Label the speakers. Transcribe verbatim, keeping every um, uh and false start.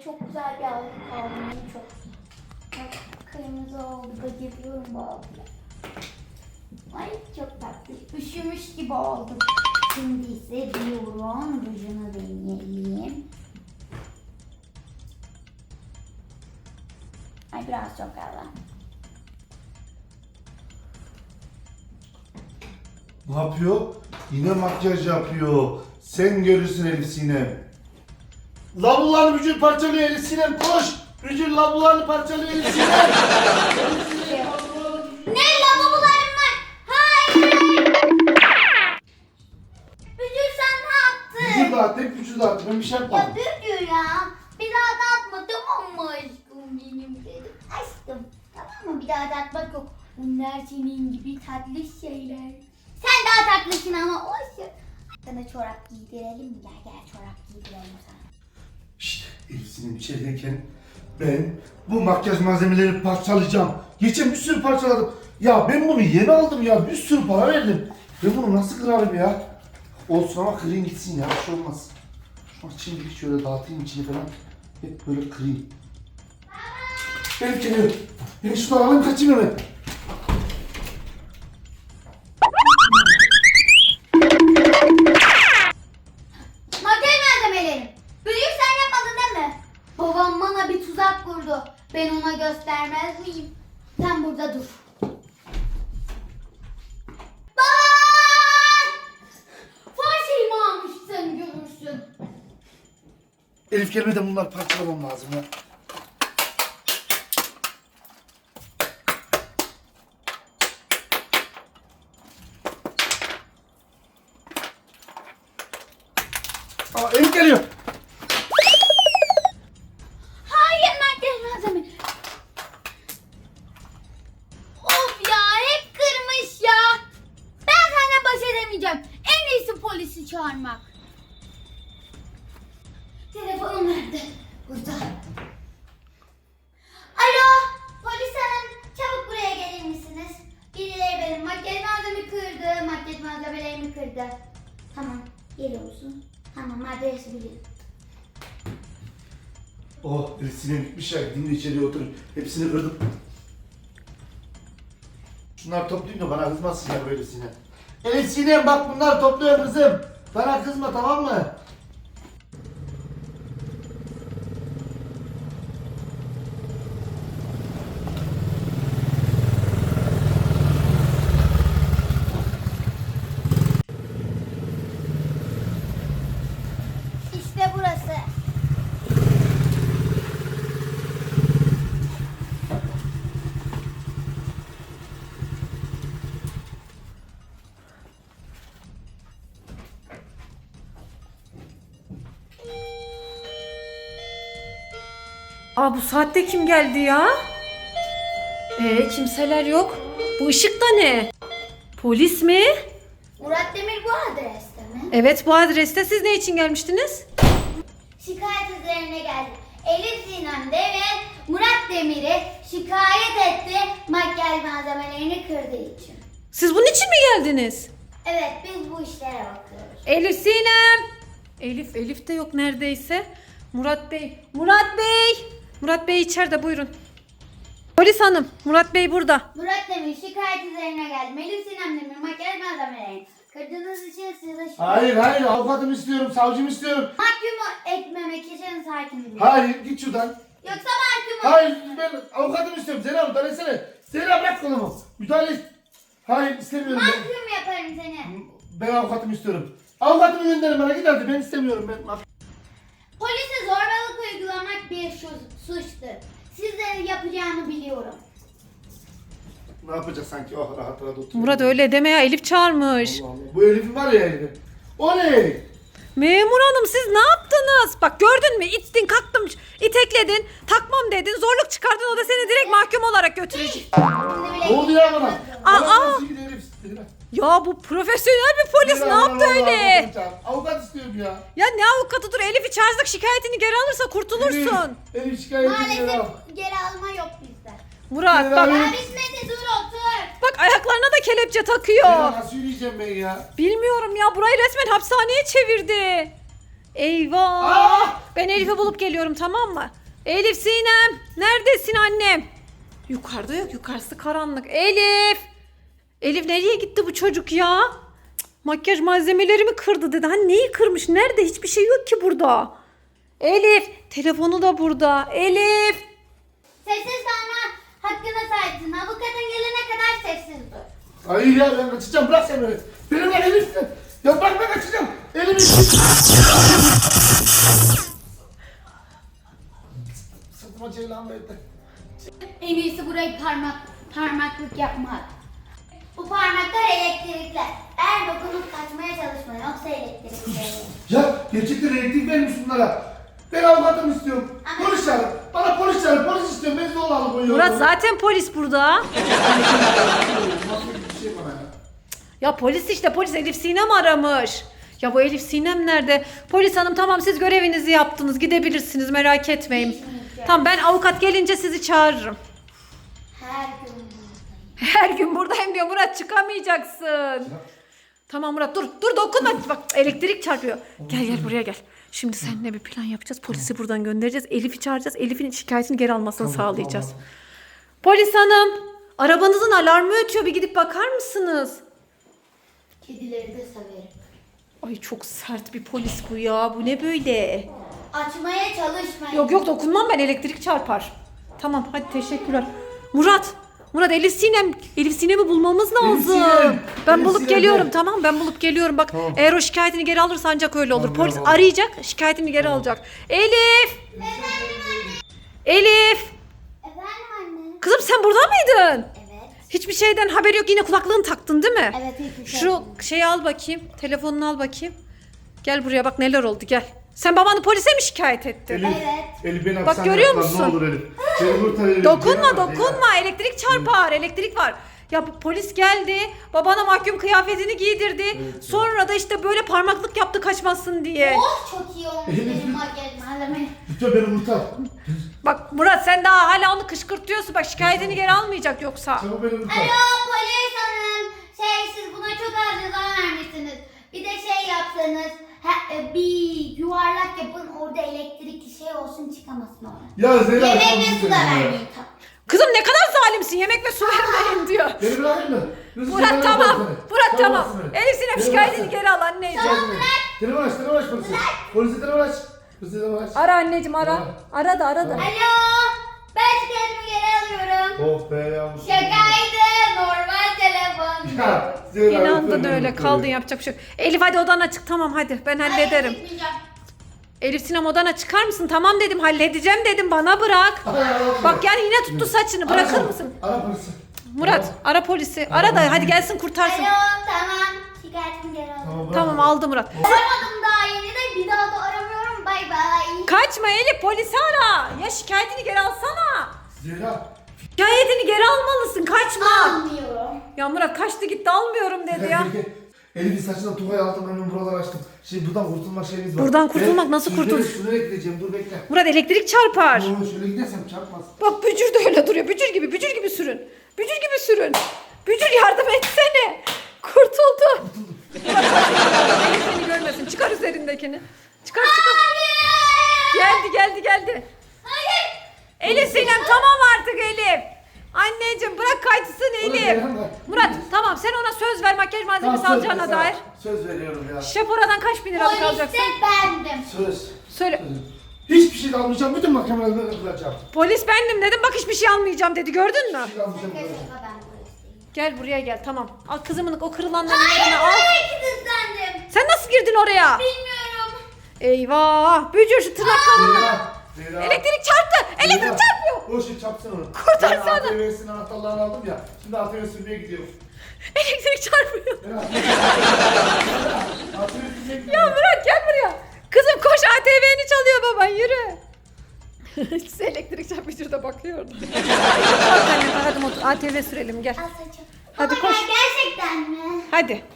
Speaker 1: çok güzel bir algı kaldı. Çok. Bak, kırmızı oldu. Bayılıyorum bu algıya. Ay çok tatlı. Üşümüş gibi oldum. Şimdi ise diyorum rujunu deneyelim. Ay biraz çok kaldı.
Speaker 2: Ne yapıyor? Yine makyaj yapıyor. Sen görürsün Elif Sinem. Lavlularını Bücür parçalıyor Elif Sinem, koş! Bücür lavlularını parçalıyor Elif Sinem.
Speaker 1: Ne lavabolarım var? Hayır! Bücür sen ne yaptın?
Speaker 2: Bücür dağıttı, hep Bücür dağıttı. Ben bir şey
Speaker 1: Ya
Speaker 2: yapmadım.
Speaker 1: Bücür ya. Bir daha dağıtma tamam mı aşkım benim dedim. Aşkım tamam mı? Bir daha dağıtmak yok. Bunlar senin gibi tatlı şeyler. Sen daha tatlısın ama olsun. Sana çorap giydirelim mi? Gel gel çorap giydirelim sana.
Speaker 2: Şşt, Elif Sinem içerideyken ben bu makyaj malzemeleri parçalayacağım. Geçen bir sürü parçaladım. Ya ben bunu yeni aldım ya. Bir sürü para verdim. Ben bunu nasıl kırarım ya? Olsun ama kırayım gitsin ya. Bir şey olmaz. Şu an şimdilik şöyle dağıtayım içini falan. Hep böyle kırayım. Elif geliyor. Ben şunu alayım kaçayım hemen.
Speaker 1: Makyaj malzemelerim. Büyük sen yapmadın değil mi? Babam bana bir tuzak kurdu. Ben ona göstermez miyim? Sen burada dur. Baba! Fahişeyi mi almışsın görürsün.
Speaker 2: Elif gelmeden bunları parçalamam lazım ya. Aa, Elif geliyor.
Speaker 1: Hayır makyaj malzeme. Of ya hep kırmış ya. Ben seninle baş edemeyeceğim. En iyisi polisi çağırmak. Telefonum nerede? Burada. Alo polis hanım çabuk buraya gelir misiniz? Birileri benim makyaj malzememi kırdı. Makyaj malzemelerimi kırdı. Tamam geliyorsun. Tamam adresi biliyorum.
Speaker 2: Oh, Elif Sinem bitmiş ya. Gidin de içeriye oturun. Hepsini kırdım. Şunları toplayayım da bana kızmasın ya böyle Sinem. Elif Sinem bak bunları topluyorum kızım. Bana kızma tamam mı?
Speaker 1: İşte burası.
Speaker 3: Aa bu saatte kim geldi ya? Ee kimseler yok. Bu işık da ne? Polis mi?
Speaker 1: Murat Demir bu adreste mi?
Speaker 3: Evet bu adreste. Siz ne için gelmiştiniz?
Speaker 1: Şikayet üzerine geldi. Elif Sinem de ve Murat Demir'i şikayet etti makyaj malzemelerini kırdığı için.
Speaker 3: Siz bunun için mi geldiniz?
Speaker 1: Evet biz bu işlere bakıyoruz.
Speaker 3: Elif Sinem. Elif, Elif de yok neredeyse. Murat Bey. Murat Bey. Murat Bey içeride buyurun. Polis hanım. Murat Bey burada.
Speaker 1: Murat Demir şikayet üzerine geldi. Elif Sinem Demir makyaj malzemelerini kırdığınız için size şikayet.
Speaker 2: Hayır hayır avukatımı istiyorum, savcımı istiyorum.
Speaker 1: Mahkum etmemek için sakin olun.
Speaker 2: Hayır git şuradan.
Speaker 1: Yoksa mahkum
Speaker 2: Hayır
Speaker 1: olursunuz.
Speaker 2: ben avukatımı istiyorum. Zehra müdahale etsene. Zehra bırak kolumu. Müdahale et. Hayır istemiyorum ben.
Speaker 1: Mahkum yaparım seni.
Speaker 2: Ben avukatımı istiyorum. Avukatımı gönderin bana git hadi ben istemiyorum ben.
Speaker 1: Polise zorbalık uygulamak bir şu- suçtur. Sizlerin yapacağını biliyorum.
Speaker 2: Ne yapacak sanki oh rahat rahat otur.
Speaker 3: Murat öyle deme ya. Elif çağırmış.
Speaker 2: Allah Allah. Bu Elif'in var ya Elif'in. O ne?
Speaker 3: Memur hanım siz ne yaptınız? Bak gördün mü? İttin kalktım itekledin. Takmam dedin. Zorluk çıkardın. O da seni direkt mahkum olarak götürecek.
Speaker 1: Şimdi bile
Speaker 2: Ne oldu ya bana?
Speaker 3: Aa,
Speaker 2: Bana
Speaker 3: aa.
Speaker 2: nasıl gidiyor Elif? Zehra.
Speaker 3: Ya bu profesyonel bir polis
Speaker 2: Zehra,
Speaker 3: ne yaptı
Speaker 2: vallahi
Speaker 3: öyle?
Speaker 2: avukatımı çağır. Avukat istiyorum ya.
Speaker 3: Ya ne avukatı dur Elif'i çağırsak şikayetini geri alırsa kurtulursun.
Speaker 2: Elif, Elif şikayetini
Speaker 1: maalesef
Speaker 2: geri al.
Speaker 1: geri alma yok bizde.
Speaker 3: Murat
Speaker 2: Zehra,
Speaker 3: bak,
Speaker 2: Elif-
Speaker 1: Ya bitmedi dur otur.
Speaker 3: bak ayaklarına da kelepçe takıyor.
Speaker 2: Zehra nasıl yürüyeceğim ben ya?
Speaker 3: Bilmiyorum ya burayı resmen hapishaneye çevirdi. Eyvah.
Speaker 2: Aa!
Speaker 3: Ben Elif'i bulup geliyorum, tamam mı? Elif, Sinem. Neredesin annem? Yukarıda yok. Yukarısı karanlık. Elif. Elif, nereye gitti bu çocuk ya? Cık, makyaj malzemelerimi kırdı dedi. Hani neyi kırmış? Nerede? Hiçbir şey yok ki burada. Elif. Telefonu da burada. Elif.
Speaker 1: Sessiz kalma hakkına sahipsin. Avukatın gelene kadar sessiz dur.
Speaker 2: Hayır ya ben kaçacağım, bırak sen beni. Beni bırak Elif. Ya bırak ben kaçacağım. Elimi. Sırtıma ceylan verdi.
Speaker 1: En iyisi burayı parmak, parmaklık yapmak. Bu parmaklar elektrikler. Eğer dokunup kaçmaya çalışma yoksa elektrikler.
Speaker 2: Ya gerçekten elektrik vermiş bunlara. Ben avukatım istiyorum.
Speaker 1: Ama-
Speaker 2: Polis çağırın. Bana polis çağırın. Polis istiyorum. Ben zorla alıp
Speaker 3: Murat, zaten polis burada.
Speaker 2: Nasıl bir şey bana ya?
Speaker 3: Ya polis işte, polis Elif Sinem aramış. Ya bu Elif Sinem nerede? Polis hanım, tamam, siz görevinizi yaptınız, gidebilirsiniz, merak etmeyin.
Speaker 1: Kesinlikle.
Speaker 3: Tamam, ben avukat gelince sizi çağırırım.
Speaker 1: Her gün buradayım.
Speaker 3: Her gün buradayım diyor Murat, çıkamayacaksın. Tamam Murat, dur dur dokunma, bak elektrik çarpıyor. Gel gel buraya gel. Şimdi seninle bir plan yapacağız, polisi buradan göndereceğiz, Elif'i çağıracağız, Elif'in şikayetini geri almasını
Speaker 2: Tamam,
Speaker 3: sağlayacağız.
Speaker 2: tamam.
Speaker 3: Polis hanım, arabanızın alarmı ötüyor, bir gidip bakar mısınız?
Speaker 1: Kedileri de severim.
Speaker 3: Ay çok sert bir polis bu ya, bu ne böyle?
Speaker 1: Açmaya çalışmayın.
Speaker 3: Yok yok, dokunmam ben, elektrik çarpar. Tamam hadi, teşekkürler. Murat, Murat Elif Sinem, Elif Sinem'i bulmamız lazım.
Speaker 2: Sinem,
Speaker 3: Ben
Speaker 2: Elif
Speaker 3: bulup
Speaker 2: Sinem
Speaker 3: geliyorum,
Speaker 2: de.
Speaker 3: tamam, ben bulup geliyorum. Bak
Speaker 2: Tamam.
Speaker 3: eğer o şikayetini geri alırsa ancak öyle olur.
Speaker 2: Tamam,
Speaker 3: Polis
Speaker 2: tamam.
Speaker 3: arayacak, şikayetini geri alacak. Elif!
Speaker 1: Efendim anne.
Speaker 3: Elif!
Speaker 1: Efendim anne.
Speaker 3: Kızım sen burada mıydın?
Speaker 1: Evet.
Speaker 3: Hiçbir şeyden haberi yok, yine kulaklığını taktın değil mi?
Speaker 1: Evet hiçbir şey.
Speaker 3: Şu şeyi al bakayım, telefonunu al bakayım. Gel buraya, bak neler oldu, gel. Sen babanı polise mi şikayet ettin?
Speaker 2: Elif,
Speaker 1: Evet.
Speaker 2: Elif beni
Speaker 3: Bak,
Speaker 2: hapishaneye
Speaker 3: görüyor
Speaker 2: atlar,
Speaker 3: musun?
Speaker 2: Ne olur Elif. Beni kurtar Elif.
Speaker 3: Dokunma
Speaker 2: Beni bak,
Speaker 3: dokunma, elektrik çarpar, elektrik var. Ya bu polis geldi, babana mahkum kıyafetini giydirdi.
Speaker 2: Evet,
Speaker 3: Sonra da işte böyle parmaklık yaptı kaçmasın diye.
Speaker 1: Oh çok iyi olmuş
Speaker 2: Elif.
Speaker 1: benim makyaj malzemem.
Speaker 2: Lütfen beni kurtar.
Speaker 3: Bak Murat, sen daha hala onu kışkırtıyorsun, bak şikayetini geri almayacak yoksa.
Speaker 2: Çabuk beni kurtar.
Speaker 1: Alo polis hanım. Şey siz buna çok az ceza vermişsiniz. Bir de şey yapsanız he, e, bir yuvarlak yapın orada elektrikli şey olsun çıkamasın ona.
Speaker 2: Ya Zeyra.
Speaker 1: Yemek
Speaker 2: tamam,
Speaker 1: ve su
Speaker 2: lütfen
Speaker 1: da
Speaker 2: ya.
Speaker 1: vermeyin tabii.
Speaker 3: Kızım ne kadar zalimsin, yemek ve su vermeyin diyor.
Speaker 2: Beni bırakır mı? Lütfen
Speaker 3: Murat
Speaker 2: beni
Speaker 3: tamam,
Speaker 2: bırakın.
Speaker 3: Murat
Speaker 2: Tamam,
Speaker 3: tamam.
Speaker 2: bıraksın beni.
Speaker 3: Elif Sinem
Speaker 2: Beni
Speaker 3: şikayetini
Speaker 2: bıraksın.
Speaker 3: geri al anneciğim.
Speaker 2: Şikayetini. Telefon aç, telefon aç polisi. Polisi telefon aç. Polisi telefon aç.
Speaker 3: Ara anneciğim, ara. Ara da ara da.
Speaker 1: Alo ben şikayetimi geri alıyorum.
Speaker 2: Oh be yavrum.
Speaker 1: Şakaydı normal telefon.
Speaker 2: Ya Zeyra. lütfen
Speaker 3: İnandın
Speaker 2: beni
Speaker 3: öyle,
Speaker 2: kurtar.
Speaker 3: kaldın, yapacak bir şey yok. Elif hadi odana çık, tamam hadi, ben hallederim.
Speaker 1: Hayır, çıkmayacağım.
Speaker 3: Elif Sinem odana çıkar mısın? Tamam dedim, halledeceğim dedim, bana bırak.
Speaker 2: Ara, ara, ara.
Speaker 3: Bak yani yine tuttu saçını,
Speaker 2: Ara
Speaker 3: bırakır
Speaker 2: çabuk.
Speaker 3: mısın?
Speaker 2: Ara polisi.
Speaker 3: Murat ara polisi, ara da hadi gelsin kurtarsın.
Speaker 1: Alo tamam şikayetimi geri alıyorum.
Speaker 2: Tamam, bırak.
Speaker 3: Tamam aldı Murat.
Speaker 1: Aramadım daha yeni de bir daha da aramıyorum bay bay.
Speaker 3: Kaçma Elif, polisi ara. Ya şikayetini geri alsana.
Speaker 2: Zeyra.
Speaker 3: Şikayetini geri almalısın, kaçma.
Speaker 1: Almıyorum.
Speaker 3: Ya Murat kaçtı gitti, almıyorum dedi ya.
Speaker 2: Elif'in saçına tuvayı aldım, hemen buraları açtım. Şimdi buradan kurtulma şeyimiz var.
Speaker 3: Buradan kurtulmak
Speaker 2: Ben
Speaker 3: nasıl
Speaker 2: şuraya-
Speaker 3: kurtul-
Speaker 2: Şuraya gideceğim, dur bekle.
Speaker 3: Murat elektrik çarpar.
Speaker 2: Oo, şöyle gidersem çarpmaz.
Speaker 3: Bak Bücür de öyle duruyor, Bücür gibi, Bücür gibi sürün. Bücür gibi sürün. Bücür yardım etsene. Kurtuldu. Murat Elif seni görmesin, çıkar üzerindekini. Çıkar çıkar. Geldi geldi geldi.
Speaker 1: Hayır.
Speaker 3: Elif Sinem tamam artık Elif. Anneciğim bırak kaçsın Elif.
Speaker 2: Gelen var.
Speaker 3: Murat tamam, sen ona söz ver makyaj malzemesi
Speaker 2: Tamam, söz
Speaker 3: alacağına
Speaker 2: ver,
Speaker 3: dair.
Speaker 2: Söz veriyorum ya.
Speaker 3: Şepora'dan kaç bin liralık
Speaker 1: Poliste
Speaker 3: alacaksın?
Speaker 1: bendim.
Speaker 2: Söz.
Speaker 3: Söyle.
Speaker 2: Söz. Hiçbir şey almayacağım, bütün mahkemelerden kılacağım.
Speaker 3: Polis bendim dedim, bak hiçbir şey almayacağım dedi, gördün mü?
Speaker 2: Hiçbir şey almayacağım.
Speaker 1: Şaka şaka ben polisteyim.
Speaker 3: Gel buraya gel, tamam. Al kızımın o kırılanlarını
Speaker 1: Hayır
Speaker 3: yerine al.
Speaker 1: buraya kilitlendim.
Speaker 3: Sen nasıl girdin oraya?
Speaker 1: Bilmiyorum.
Speaker 3: Eyvah! Bücür şu tırnaklarını.
Speaker 2: Zeyra. Zeyra.
Speaker 3: Elektrik çarptı! Elektrik
Speaker 2: Zeyra.
Speaker 3: çarpıyor!
Speaker 2: O şey çarpsın onu.
Speaker 3: Kurtarsana.
Speaker 2: Ben A T V'sinin anahtarlarını aldım ya. Şimdi A T V sürmeye gidiyorum.
Speaker 3: Elektrik çarpıyor.
Speaker 2: Zeyra. A T V sürmeye
Speaker 3: Ya
Speaker 2: gidiyorum.
Speaker 3: Murat gel buraya. Kızım koş, A T V'ni çalıyor baban, yürü. Size elektrik çarpıyor, şurada bakıyor orada. Kalk anne, hadi motor A T V sürelim, gel.
Speaker 1: Al saçım.
Speaker 3: Hadi
Speaker 1: Oh my
Speaker 3: koş.
Speaker 1: God, gerçekten mi?
Speaker 3: Hadi.